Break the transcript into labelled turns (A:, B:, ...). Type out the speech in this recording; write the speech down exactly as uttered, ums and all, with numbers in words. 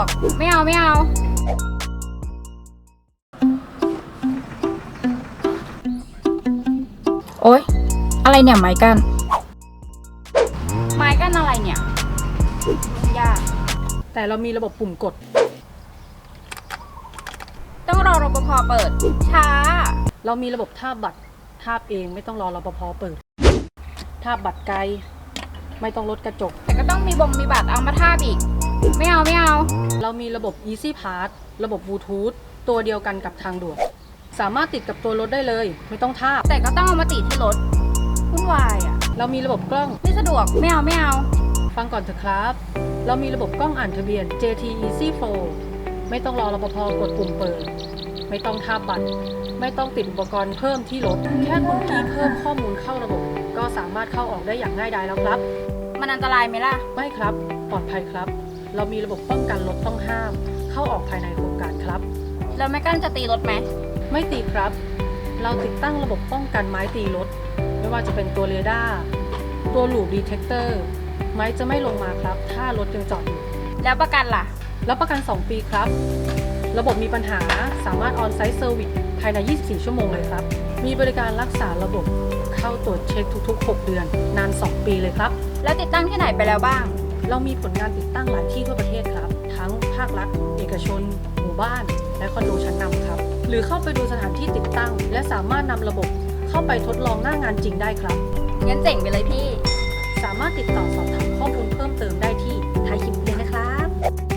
A: กไม่เอาไม่เอาโอ๊ยอะไรเนี่ยไม้กั้นไม้กั้นอะไรเนี่ยยาก
B: แต่เรามีระบบปุ่มกด
A: ต้องรอรปภเปิดช้า
B: เรามีระบบทาบบัตรทาบเองไม่ต้องรอรปภเปิดทาบบัตรไกลไม่ต้องลดกระจก
A: แต่ก็ต้องมีบงมีบัตรเอามาทาบอีกไม่เอาไม่เอา
B: เรามีระบบ Easy Pass ระบบบลูทูธตัวเดียวกันกับทางด่วนสามารถติดกับตัวรถได้เลยไม่ต้องทาบ
A: แต่ก็ต้องเอามาติดที่รถวุ่นวายอ่ะ
B: เรามีระบบกล้อง
A: ไม่สะดวกไม่เอาไม่เอา
B: ฟังก่อนเถอะครับเรามีระบบกล้องอ่านทะเบียน เจ ที Easy Flow ไม่ต้องรอรปภกดปุ่มเปิดไม่ต้องทาบบัตรไม่ต้องติดอุปกรณ์เพิ่มที่รถแค่คุณคีย์เพิ่มข้อมูลเข้าระบบก็สามารถเข้าออกได้อย่างง่ายดายแล้วครับ
A: มันอันตรายไหมล่ะ
B: ไม่ครับปลอดภัยครับเรามีระบบป้องกันรถต้องห้ามเข้าออกภายในโครงการครับ
A: แล้วแม่กั้นจะตีรถไหม
B: ไม่ตีครับเราติดตั้งระบบป้องกันไม้ตีรถไม่ว่าจะเป็นตัวเรดาร์ตัวลูปดีเทคเตอร์ไม้จะไม่ลงมาครับถ้ารถยังจอดอยู่
A: แล้วประกันล่ะ
B: รับประกันสองปีครับระบบมีปัญหาสามารถออนไซต์เซอร์วิสภายในยี่สิบสี่ชั่วโมงเลยครับมีบริการรักษาระบบเข้าตรวจเช็คทุกๆหกเดือนนานสองปีเลยครับ
A: แล้วติดตั้งที่ไหนไปแล้วบ้าง
B: เรามีผลงานติดตั้งหลายที่ทั่วประเทศครับทั้งภาครัฐเอกชนหมู่บ้านและคอนโดชั้นนำครับหรือเข้าไปดูสถานที่ติดตั้งและสามารถนำระบบเข้าไปทดลองหน้างานจริงได้ครับ
A: งั้นเจ๋งไปเลยพี่
B: สามารถติดต่อสอบถามข้อมูลเพิ่มเติมได้ที่ท้ายคลิปเลยนะครับ